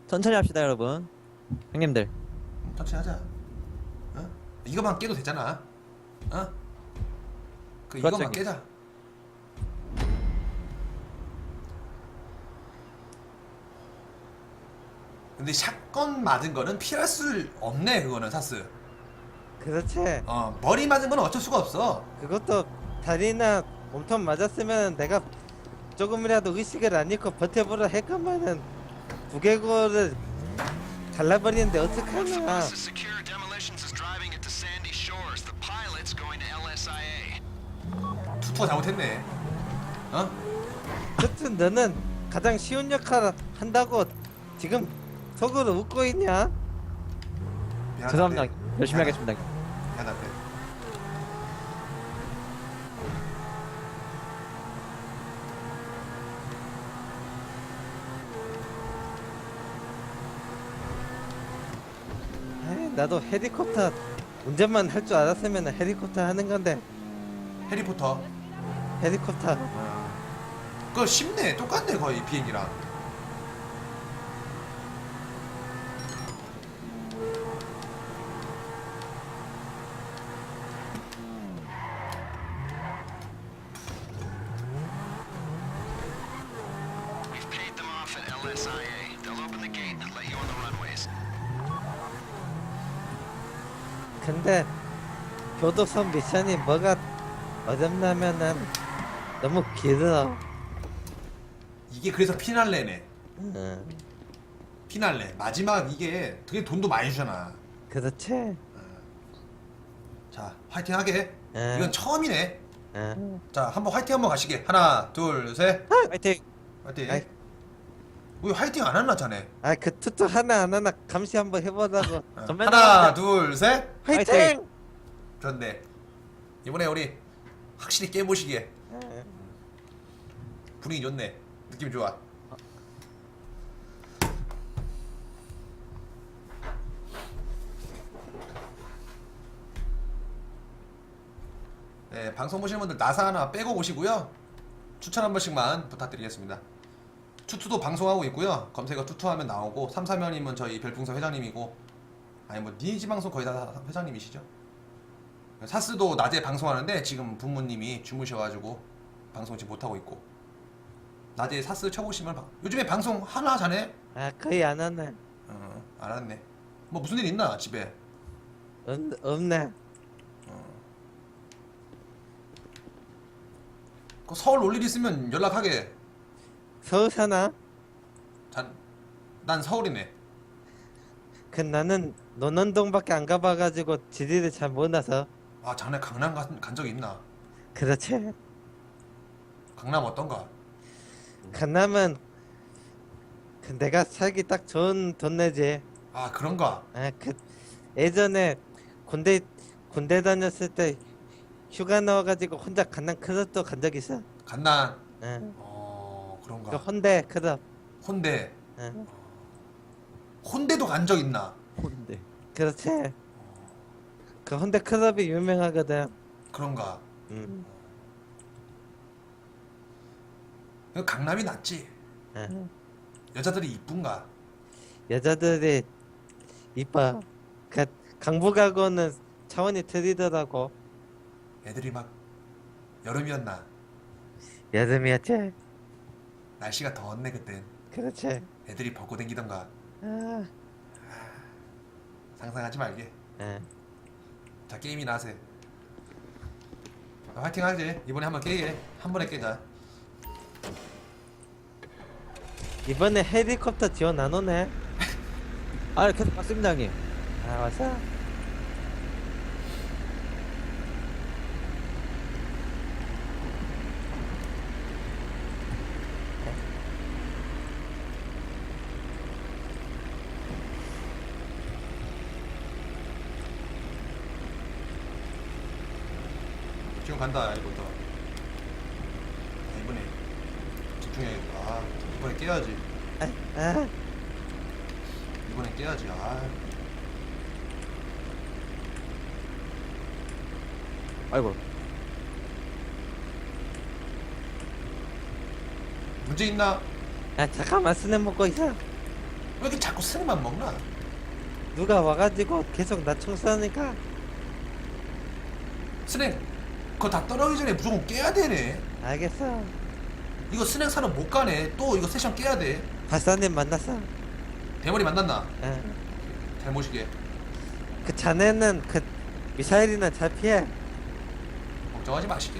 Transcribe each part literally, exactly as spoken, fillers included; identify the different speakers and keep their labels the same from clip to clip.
Speaker 1: 천천히 합시다 여러분. 형님들.
Speaker 2: 천천히 하자. 어? 이거만 깨도 되잖아. 어? 그
Speaker 1: 그렇죠,
Speaker 2: 이거만
Speaker 1: 형님.
Speaker 2: 깨자. 근데 샷건 맞은 거는 피할 수 없네. 그거는 사스.
Speaker 3: 그렇지.
Speaker 2: 어 머리 맞은 건 어쩔 수가 없어.
Speaker 3: 그것도 다리나 몸통 맞았으면 내가 조금이라도 의식을 안 잃고 버텨보려 했건만은 두개골을 잘라버리는데 어떡하나.
Speaker 4: Bus is secure. Demolitions is driving it to Sandy Shores. The pilot's going to L S I A.
Speaker 2: 투투가 잘못했네. 어?
Speaker 3: 여튼 너는 가장 쉬운 역할을 한다고 지금 속으로 웃고 있냐?
Speaker 2: 미안한데.
Speaker 1: 죄송합니다. 열심히
Speaker 2: 미안하-
Speaker 1: 하겠습니다.
Speaker 2: 미안한데.
Speaker 3: 에이, 나도 헬리콥터 운전만 할 줄 알았으면 헬리콥터 하는 건데.
Speaker 2: 해리포터.
Speaker 3: 헬리콥터
Speaker 2: 그거 쉽네. 똑같네 거의 비행기랑.
Speaker 4: We've paid them off at L S I A. They'll open the gate and let you on the runways.
Speaker 3: 근데 교도소 미션이 뭐가 어렵냐면은 너무 길어.
Speaker 2: 이게 그래서 피날레네.
Speaker 3: 응,
Speaker 2: 피날레 마지막 이게 되게 돈도 많이 주잖아.
Speaker 3: 그렇지.
Speaker 2: 자 화이팅 하게.
Speaker 3: 응.
Speaker 2: 이건 처음이네.
Speaker 3: 응.
Speaker 2: 자 한번 화이팅 한번 가시게. 하나 둘 셋.
Speaker 1: 화이팅.
Speaker 2: 화이팅.
Speaker 3: 아이.
Speaker 2: 왜 화이팅 안 하나 자네?
Speaker 3: 아, 그 투투 하나 안 하나 감시 한번 해보자고.
Speaker 2: 어,
Speaker 1: 전면
Speaker 2: 하나
Speaker 1: 나가자.
Speaker 2: 둘 셋.
Speaker 3: 화이팅!
Speaker 1: 화이팅!
Speaker 2: 좋네. 이번에 우리 확실히 깨보시게.
Speaker 3: 응.
Speaker 2: 분위기 좋네. 느낌 좋아. 네, 방송 보시는 분들 나사 하나 빼고 오시고요. 추천 한 번씩만 부탁드리겠습니다. 투투도 방송하고 있고요. 검색어 투투하면 나오고 삼사면이면 저희 별풍선 회장님이고 아니 뭐 니지 방송 거의 다 회장님이시죠. 사스도 낮에 방송하는데 지금 부모님이 주무셔가지고 방송 지금 못하고 있고 낮에 사스 쳐보시면 방- 요즘에 방송 하나 자네?
Speaker 3: 아, 거의 안 하네.
Speaker 2: 어 알았네. 뭐 무슨 일 있나 집에?
Speaker 3: 없, 없네.
Speaker 2: 그 서울 올 일 있으면 연락하게.
Speaker 3: 서울 사나?
Speaker 2: 잔, 난 서울이네.
Speaker 3: 그 나는 논현동밖에 안 가봐가지고 지리를 잘 몰라서.
Speaker 2: 아 자네 강남 간, 간 적이 있나?
Speaker 3: 그렇지.
Speaker 2: 강남 어떤가?
Speaker 3: 강남은 그 내가 살기 딱 좋은 동네지.
Speaker 2: 아 그런가?
Speaker 3: 아, 그 예전에 군대 군대 다녔을 때 휴가 나와가지고 혼자 강남 클럽도 간 적 있어.
Speaker 2: 간난.
Speaker 3: 응.
Speaker 2: 어 그런가?
Speaker 3: 그 혼대 클럽.
Speaker 2: 혼대.
Speaker 3: 응.
Speaker 2: 혼대도 간 적 있나?
Speaker 1: 혼데.
Speaker 3: 그렇지. 그 혼대 클럽이 유명하거든.
Speaker 2: 그런가?
Speaker 3: 응.
Speaker 2: 그 강남이 낫지.
Speaker 3: 응.
Speaker 2: 여자들이 이쁜가?
Speaker 3: 여자들이 이뻐. 그 강북하고는 차원이 틀리더라고.
Speaker 2: 애들이 막 여름이었나?
Speaker 3: 여름이었지.
Speaker 2: 날씨가 더웠네 그땐.
Speaker 3: 그렇지.
Speaker 2: 애들이 벗고 댕기던가.
Speaker 3: 아,
Speaker 2: 상상하지 말게.
Speaker 3: 응.
Speaker 2: 자 게임이나 하세. 화이팅 하지. 이번에 한번 깨게. 한 번에 깨자.
Speaker 3: 이번에 헬리콥터 지원 안 오네.
Speaker 1: 아 계속 맞습니다 형님.
Speaker 3: 아, 왔어?
Speaker 2: 지금 간다 이거부터. 아, 이번에 집중해. 아 이번에 깨야지.
Speaker 3: 아, 아.
Speaker 2: 이번에 깨야지. 아
Speaker 1: 아이고.
Speaker 2: 문제 있나?
Speaker 3: 아, 잠깐만 스냅 먹고 있어.
Speaker 2: 왜 이렇게 자꾸 자꾸 스낵만 먹나?
Speaker 3: 누가 와가지고 계속 나 청소하니까.
Speaker 2: 스낵 그거 다 떨어지기 전에 무조건 깨야 되네.
Speaker 3: 알겠어.
Speaker 2: 이거 스낵 사러 못 가네. 또 이거 세션 깨야 돼.
Speaker 3: 박사님 만났어.
Speaker 2: 대머리 만났나?
Speaker 3: 응.
Speaker 2: 잘 모시게.
Speaker 3: 그 자네는 그 미사일이나 잘 피해.
Speaker 2: 걱정하지 마시게.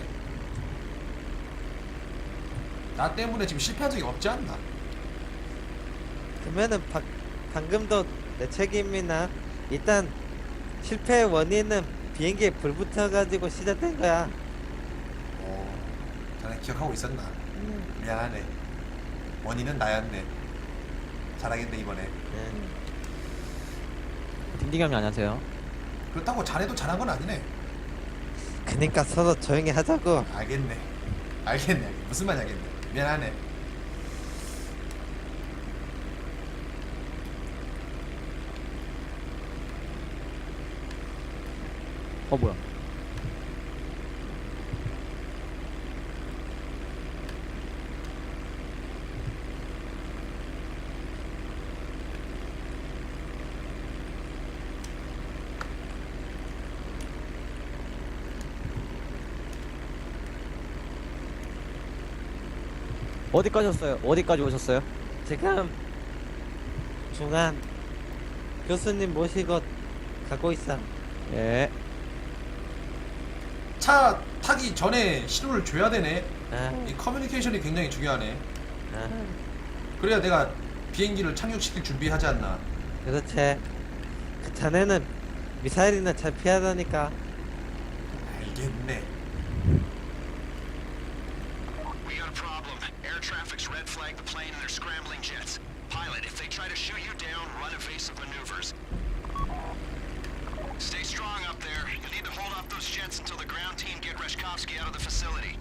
Speaker 2: 나 때문에 지금 실패한 적이 없지 않나?
Speaker 3: 그러면은 바, 방금도 내 책임이나 일단 실패의 원인은 비행기에 불 붙어가지고 시작된 거야.
Speaker 2: 어, 자네 기억하고 있었나?
Speaker 3: 음.
Speaker 2: 미안하네. 원인은 나였네. 잘하겠네 이번에.
Speaker 3: 응.
Speaker 1: 딩딩 형님 안녕하세요.
Speaker 2: 그렇다고 자네도 잘한 건 아니네.
Speaker 3: 그니까 서로 조용히 하자고.
Speaker 2: 알겠네. 알겠네. 무슨 말인지 알겠네. 미안하네.
Speaker 1: 어 뭐야? 어디까지 오셨어요? 어디까지 오셨어요?
Speaker 3: 지금 중앙 교수님 모시고 가고 있어.
Speaker 1: 예.
Speaker 2: 차 타기 전에 신호를 줘야 되네.
Speaker 3: 아,
Speaker 2: 이 커뮤니케이션이 굉장히 중요하네.
Speaker 3: 아,
Speaker 2: 그래야 내가 비행기를 착륙시킬 준비하지 않나.
Speaker 3: 그렇지. 그 자네는 미사일이나 잘 피하다니까.
Speaker 2: 알겠네.
Speaker 4: We got a problem. Air traffic's red flagged the plane and they're scrambling jets. Pilot, if they try to shoot you down, run evasive maneuvers. Stay strong up there. You'll need to hold off those jets until the ground team get Reshkovsky out of the facility.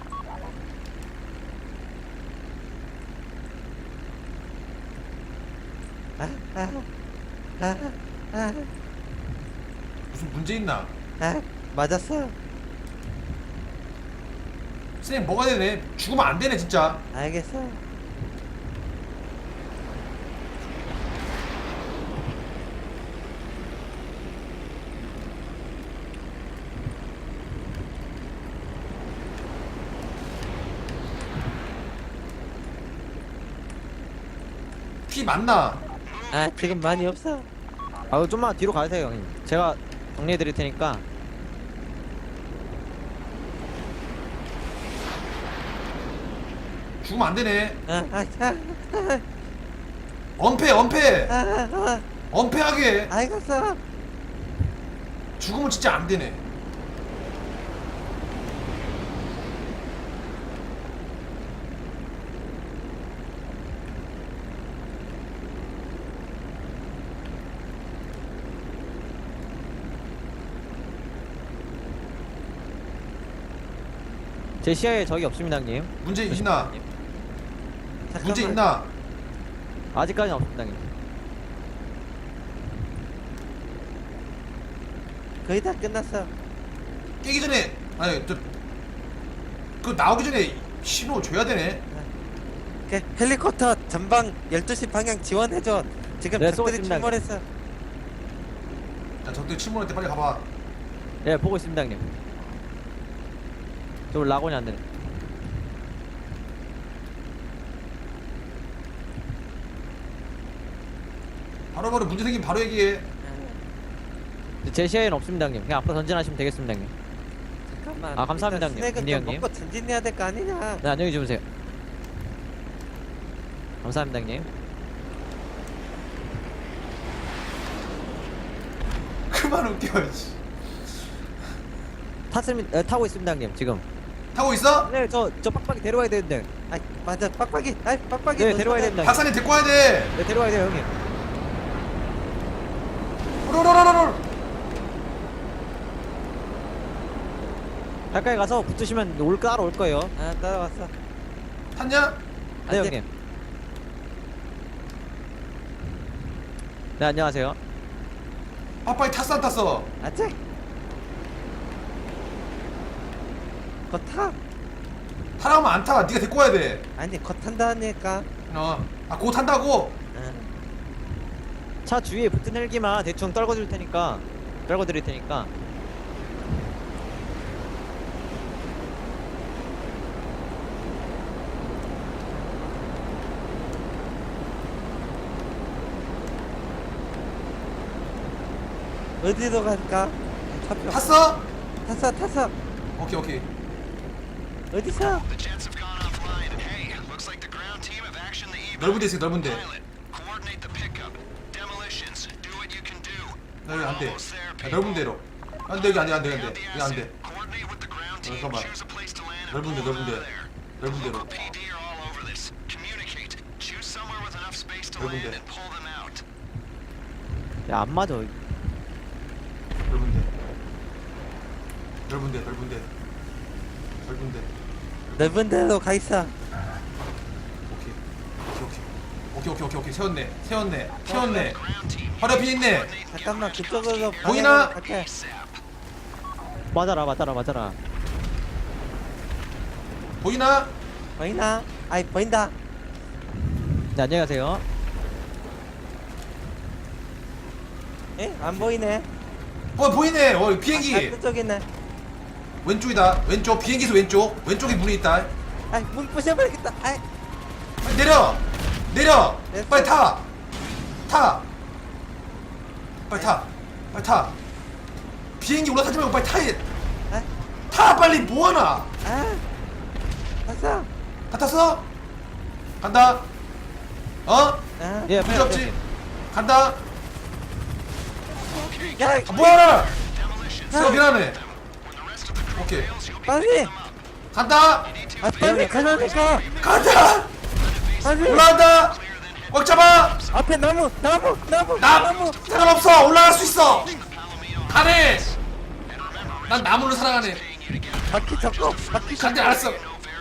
Speaker 3: 아, 아, 아, 아,
Speaker 2: 무슨 문제 있나?
Speaker 3: 아, 맞았어.
Speaker 2: 선생님 뭐가 되네? 죽으면 안 되네 진짜.
Speaker 3: 알겠어.
Speaker 2: 피 맞나?
Speaker 3: 아, 지금 많이 없어.
Speaker 1: 아 좀만 뒤로 가세요 형님. 제가 정리해 드릴 테니까.
Speaker 2: 죽으면 안 되네.
Speaker 3: 아, 아, 아, 아,
Speaker 2: 엄폐 엄폐.
Speaker 3: 아, 아,
Speaker 2: 엄폐하게.
Speaker 3: 아, 알겠어.
Speaker 2: 죽으면 진짜 안 되네.
Speaker 1: 제 시야에 적이 없습니다 형님.
Speaker 2: 문제 있나?
Speaker 3: 잠깐만.
Speaker 2: 문제 있나?
Speaker 1: 아직까지는 없습니다 형님.
Speaker 3: 거의 다 끝났어.
Speaker 2: 깨기 전에 아니 저 그 나오기 전에 신호 줘야 되네.
Speaker 3: 그 헬리콥터 전방 열두 시 방향 지원해줘. 지금
Speaker 1: 네,
Speaker 3: 적들이
Speaker 1: 쏘겠습니다.
Speaker 3: 출몰했어.
Speaker 2: 자 적들 침몰할 때 빨리 가봐.
Speaker 1: 예 보고 있습니다 형님. 저 라곤이 안 되네.
Speaker 2: 바로바로 문제 생기면 바로 얘기해.
Speaker 1: 제 시야에는 없습니다 형님. 그냥 앞으로 전진하시면 되겠습니다 형님.
Speaker 3: 잠깐만.
Speaker 1: 아, 감사합니다,
Speaker 3: 일단
Speaker 1: 형님.
Speaker 3: 스낵은
Speaker 1: 민희
Speaker 3: 좀
Speaker 1: 형님.
Speaker 3: 먹고 전진해야 될 거 아니냐.
Speaker 1: 네 안녕히 주무세요. 감사합니다 형님.
Speaker 2: 그만 웃겨. 씨.
Speaker 1: 탔습니다. 에, 타고 있습니다 형님 지금.
Speaker 2: 타고 있어?
Speaker 1: 네 저 저 빡빡이 데려와야 되는데.
Speaker 3: 아, 맞아. 빡빡이. 아, 빡빡이.
Speaker 1: 네
Speaker 3: 너
Speaker 1: 데려와야
Speaker 3: 손에-
Speaker 1: 됩니다. 형님.
Speaker 2: 박사님 데리고 와야 돼.
Speaker 1: 네 데려와야 돼요 형님.
Speaker 2: 로로로로로.
Speaker 1: 가까이 가서 붙으시면 올 따라 올 거예요.
Speaker 3: 아, 따라왔어.
Speaker 2: 탔냐?
Speaker 1: 네
Speaker 3: 안 돼.
Speaker 1: 형님. 네 안녕하세요.
Speaker 2: 빠빠이 탔어 안 탔어?
Speaker 3: 아직. 거 타.
Speaker 2: 타라면 안 타. 네가 데리고 와야 돼.
Speaker 3: 아니, 거 탄다니까.
Speaker 2: 어. 아, 고 탄다고?
Speaker 3: 응.
Speaker 1: 차 주위에 붙은 헬기만 대충 떨궈 줄 테니까 떨궈 드릴 테니까.
Speaker 3: 어디로 갈까? 차표.
Speaker 2: 탔어?
Speaker 3: 탔어 탔어.
Speaker 2: 오케이 오케이.
Speaker 3: 어디서?
Speaker 4: The jets have gone offline, and hey, looks like the ground team have actioned the evac.
Speaker 2: 넓은 데 있어 넓은 데.
Speaker 4: Pilot, coordinate the pickup. Demolitions, do what you can do.
Speaker 2: 나 여기 안 돼.
Speaker 4: Almost there,
Speaker 2: 야,
Speaker 4: people.
Speaker 2: 넓은 데로. 안돼 여기 안돼 안돼
Speaker 4: Grab
Speaker 2: 안돼
Speaker 4: the
Speaker 2: 여기 안돼.
Speaker 4: asset, coordinate with the ground team,
Speaker 2: 잠깐만.
Speaker 4: choose a place to land, and
Speaker 2: 넓은 데
Speaker 4: pull
Speaker 2: 넓은
Speaker 4: them
Speaker 2: 데.
Speaker 4: out of there.
Speaker 2: 넓은 데로.
Speaker 4: Local P D are all over this. Communicate. Choose somewhere with enough space to
Speaker 2: 넓은
Speaker 4: land
Speaker 2: 데.
Speaker 4: and pull them out.
Speaker 1: 야, 안 맞아.
Speaker 2: 넓은 데. 넓은 데 넓은 데. 넓은 데.
Speaker 3: 넓은 데로 가 있어.
Speaker 2: 오케이. 오케이 오케이. 오케이 오케이 오케이 오케이 세웠네. 세웠네. 세웠네.
Speaker 4: Ground team,
Speaker 2: 허리 앞에 있네.
Speaker 3: 잠깐만 그쪽으로
Speaker 2: 보이나?
Speaker 3: 방향으로 갈게.
Speaker 1: 맞아라, 맞아라, 맞아라.
Speaker 2: 보이나?
Speaker 3: 보이나? 아이 보인다.
Speaker 1: 네, 안녕히 가세요.
Speaker 3: 에? 안 보이네.
Speaker 2: 어 보이네. 어
Speaker 3: 아,
Speaker 2: 비행기.
Speaker 3: 그쪽 있네.
Speaker 2: 왼쪽이다. 왼쪽 비행기에서 왼쪽. 왼쪽에 문이 있다.
Speaker 3: 아이 문 부셔버리겠다. 아이
Speaker 2: 빨리 내려. 내려.
Speaker 3: 됐어.
Speaker 2: 빨리 타. 타. 빨리 타. 빨리 타. 비행기 올라타지 말고 빨리 타.
Speaker 3: 아,
Speaker 2: 타 빨리 뭐하나.
Speaker 3: 아, 봤어.
Speaker 2: 다 탔어? 간다. 어?
Speaker 3: 아,
Speaker 1: 예,
Speaker 2: 문제 없지? 간다.
Speaker 3: 야,
Speaker 2: 아, 뭐하나? 어 미안해. 오케이.
Speaker 3: 빨리.
Speaker 2: 간다.
Speaker 3: 아, 빨리 가라니까.
Speaker 2: 간다.
Speaker 3: 빨리.
Speaker 2: 올라간다. 꽉 잡아.
Speaker 3: 앞에 나무, 나무, 나무,
Speaker 2: 나
Speaker 3: 나무.
Speaker 2: 상관없어. 올라갈 수 있어. 가네. 난 나무를 사랑하네.
Speaker 3: 바퀴 잡고, 바퀴 잡고.
Speaker 2: 간대 알았어.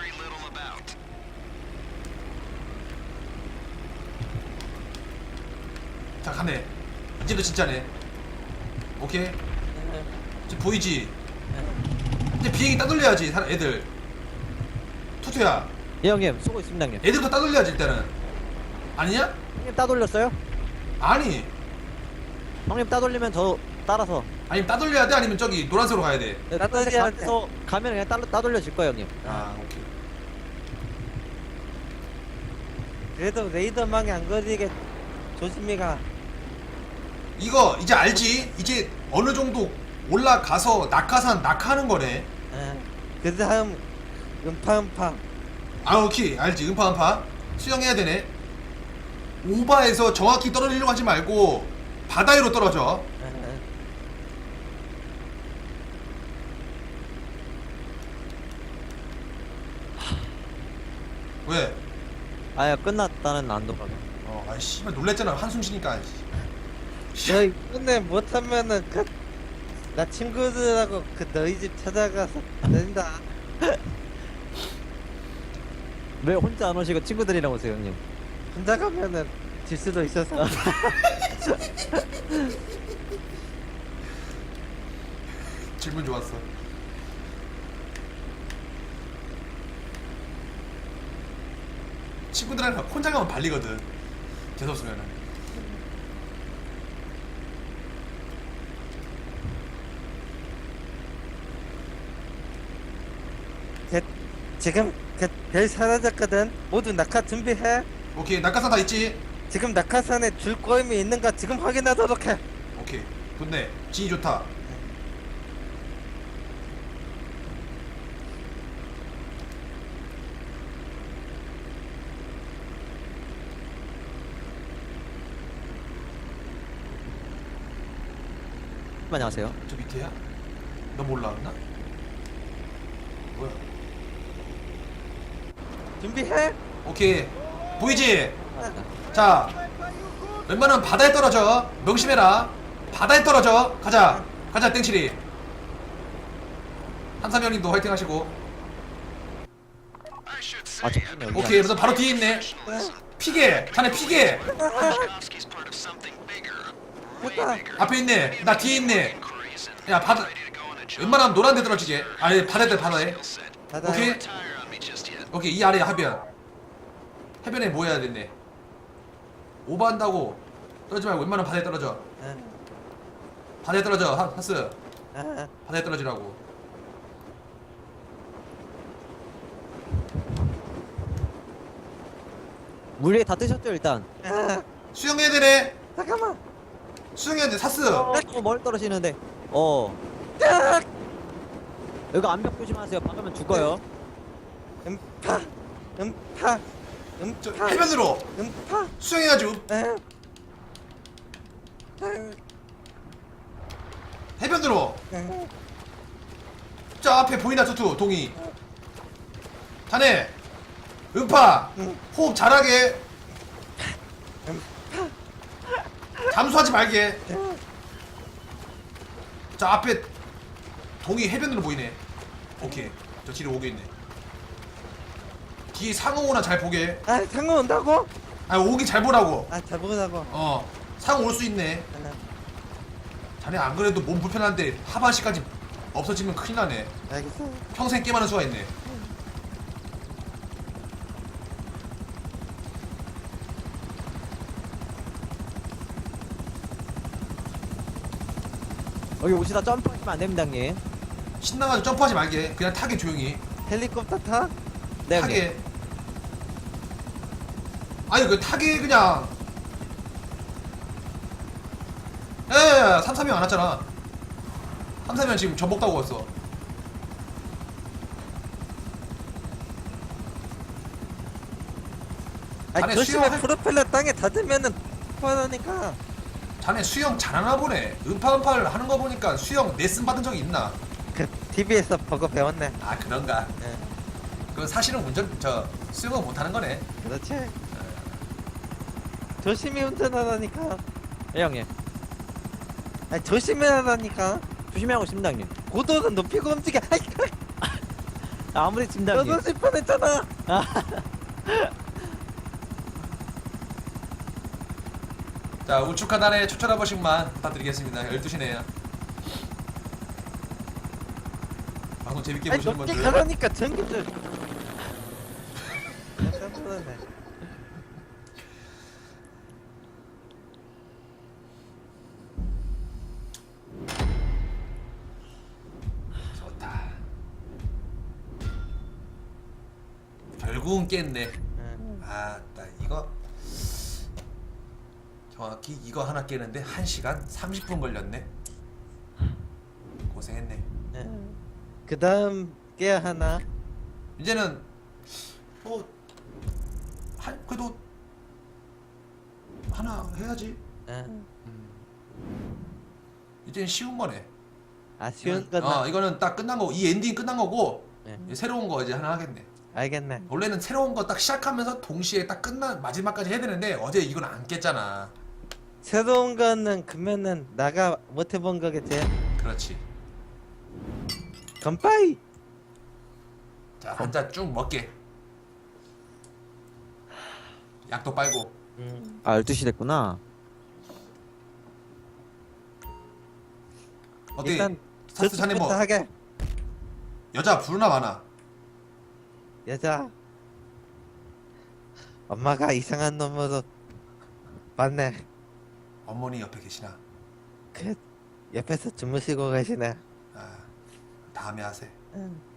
Speaker 2: 자 가네. 이제도 진짜네. 오케이. 지금 보이지? 이제 비행기 따돌려야지 사람 애들. 투투야.
Speaker 1: 예, 형님. 쏘고 있습니다, 형님.
Speaker 2: 애들부터 따돌려야지 일단은. 아니냐?
Speaker 1: 형님 따돌렸어요?
Speaker 2: 아니.
Speaker 1: 형님 따돌리면 저 따라서.
Speaker 2: 아니면 따돌려야 돼? 아니면 저기 노란색으로 가야 돼?
Speaker 1: 네,
Speaker 3: 따돌려야
Speaker 1: 가면서 가면 그냥 따, 따돌려질 거예요, 형님.
Speaker 2: 아 오케이.
Speaker 3: 그래도 레이더망에 안 걸리게 조심히 가.
Speaker 2: 이거 이제 알지? 이제 어느 정도 올라가서 낙하산 낙하하는 거네.
Speaker 3: 예. 그 다음 음파 음파.
Speaker 2: 아 오케이 알지. 음파 음파 수영해야 되네. 오바에서 정확히 떨어지려고 하지 말고 바다 위로 떨어져.
Speaker 3: 예.
Speaker 2: 왜?
Speaker 1: 아야, 끝났다는 안도가.
Speaker 2: 어, 아 씨발 놀랬잖아 한숨 쉬니까.
Speaker 3: 너 이번에 못하면은 그 나 친구들하고 그 너희 집 찾아가서 된다.
Speaker 1: 왜 혼자 안 오시고 친구들이랑 오세요, 형님?
Speaker 3: 혼자 가면은 질 수도 있어서.
Speaker 2: 질문 좋았어. 친구들이랑 혼자 가면 발리거든. 재수없으면은.
Speaker 3: 제, 지금 그 별 사라졌거든. 모두 낙하 준비해.
Speaker 2: 오케이 낙하산 다 있지?
Speaker 3: 지금 낙하산에 줄 꼬임이 있는가 지금 확인하도록 해.
Speaker 2: 오케이 좋네. 진이 좋다.
Speaker 1: 안녕하세요.
Speaker 2: 저 밑에야? 너무 올라왔나? 뭐야?
Speaker 3: 준비해.
Speaker 2: 오케이 보이지? 자 웬만하면 바다에 떨어져. 명심해라. 바다에 떨어져. 가자 가자 땡칠이. 한삼형님도 화이팅 하시고.
Speaker 1: 아, 잠깐만요. 여기
Speaker 2: 오케이 그래서 바로 뒤에 있네. 피게 자네 피게.
Speaker 3: 됐다.
Speaker 2: 앞에 있네. 나 뒤에 있네. 야 바다 웬만하면 노란 데 떨어지게. 아니 바다에 바다에.
Speaker 3: 가자.
Speaker 2: 오케이 오케이 이 아래 해변. 해변에 뭐 해야 되네. 오버한다고 떨어지 말고 웬만하면 바다에 떨어져.
Speaker 3: 아,
Speaker 2: 바다에 떨어져. 하, 하스.
Speaker 3: 아,
Speaker 2: 바다에 떨어지라고.
Speaker 1: 물 위에 다 뜨셨죠 일단.
Speaker 3: 아,
Speaker 2: 수영해야 되네.
Speaker 3: 잠깐만.
Speaker 2: 수영해야 돼. 사스.
Speaker 1: 어, 어 멀리 떨어지는데. 어.
Speaker 3: 아,
Speaker 1: 여기 암벽 조심하세요. 박으면 죽어요.
Speaker 3: 음파, 음파,
Speaker 2: 저
Speaker 3: 음파,
Speaker 2: 해변으로
Speaker 3: 음파.
Speaker 2: 수영해가지고
Speaker 3: 아, 아,
Speaker 2: 해변으로.
Speaker 3: 아.
Speaker 2: 저 앞에 보이나 투투 동이. 자네 음파 호흡 잘하게. 잠수하지 말게. 저 앞에 동이 해변으로 보이네. 오케이 저 뒤로 오게 있네. 뒤에 상어 오나 잘 보게.
Speaker 3: 아, 상어 온다고?
Speaker 2: 아 오기 잘 보라고.
Speaker 3: 아, 잘 보자고.
Speaker 2: 어 상어 올 수 있네.
Speaker 3: 아,
Speaker 2: 자네 안 그래도 몸 불편한데 하반신까지 없어지면 큰일 나네.
Speaker 3: 알겠어.
Speaker 2: 평생 게임하는 수가 있네.
Speaker 1: 여기 오시다 점프하시면 안 됩니다 형님.
Speaker 2: 신나가지고 점프하지 말게. 그냥 타게 조용히.
Speaker 3: 헬리콥터 타?
Speaker 1: 네 형님.
Speaker 2: 타게. 아니 그 타게 그냥. 예, 삼삼이 안 왔잖아. 삼삼이는 지금 전복 타고 왔어.
Speaker 3: 아니,
Speaker 2: 자네
Speaker 3: 조심해.
Speaker 2: 수영할-
Speaker 3: 프로펠러 땅에 닿으면은 뻔하니까.
Speaker 2: 자네 수영 잘하나 보네. 음파음파를 하는 거 보니까 수영 레슨 받은 적이 있나?
Speaker 3: 그 티비에서 보고 배웠네.
Speaker 2: 아 그런가?
Speaker 3: 예,
Speaker 2: 그건 사실은 운전 저 수영을 못하는 거네.
Speaker 3: 그렇지. 조심히 운전하라니까.
Speaker 1: 예 형님.
Speaker 3: 아니, 조심해라니까.
Speaker 1: 조심히 하고 있습니다 형님.
Speaker 3: 고도는 높이고 움직여. 아이,
Speaker 1: 아, 아무리 칩니다 형님.
Speaker 3: 떨어질 뻔했잖아.
Speaker 2: 자 우측 하단에 추천 한 번씩만 부탁드리겠습니다. 열두 시네요. 방송 재밌게
Speaker 3: 아니,
Speaker 2: 보시는
Speaker 3: 높게
Speaker 2: 분들
Speaker 3: 가라니까 전기줄. 깜짝 놀랐네.
Speaker 2: 좋다. 결국은 깼네.
Speaker 3: 응.
Speaker 2: 아, 나 이거 정확히 이거 하나 깨는데 한 시간 삼십 분 걸렸네. 고생했네.
Speaker 3: 응. 그 다음 깨야 하나?
Speaker 2: 이제는 뭐 한 그래도 하나 해야지.
Speaker 3: 응.
Speaker 2: 이제는 쉬운 거네.
Speaker 3: 아, 쉬운
Speaker 2: 이건-
Speaker 3: 거나.
Speaker 2: 어, 이거는 딱 끝난 거고 이 엔딩 끝난 거고
Speaker 3: 네.
Speaker 2: 이제 새로운 거 이제 하나 하겠네.
Speaker 3: 알겠네.
Speaker 2: 원래는 새로운 거 딱 시작하면서 동시에 딱 끝난 마지막까지 해야 되는데 어제 이건 안 깼잖아.
Speaker 3: 새로운 거는 그러면은 나가 못 해본 거겠지?
Speaker 2: 그렇지.
Speaker 3: 건빠이!
Speaker 2: 자, 한 잔 쭉 먹게. 약도 빨고.
Speaker 3: 음.
Speaker 1: 아 열두 시 됐구나.
Speaker 2: 어때?
Speaker 3: 일단
Speaker 2: 사스 자네 뭐
Speaker 3: 저쪽부터 하게.
Speaker 2: 여자 부르나 마나?
Speaker 3: 여자. 엄마가 이상한 놈으로 봤네.
Speaker 2: 어머니 옆에 계시나?
Speaker 3: 그 옆에서 주무시고 계시네.
Speaker 2: 아, 다음에 하세.
Speaker 3: 응.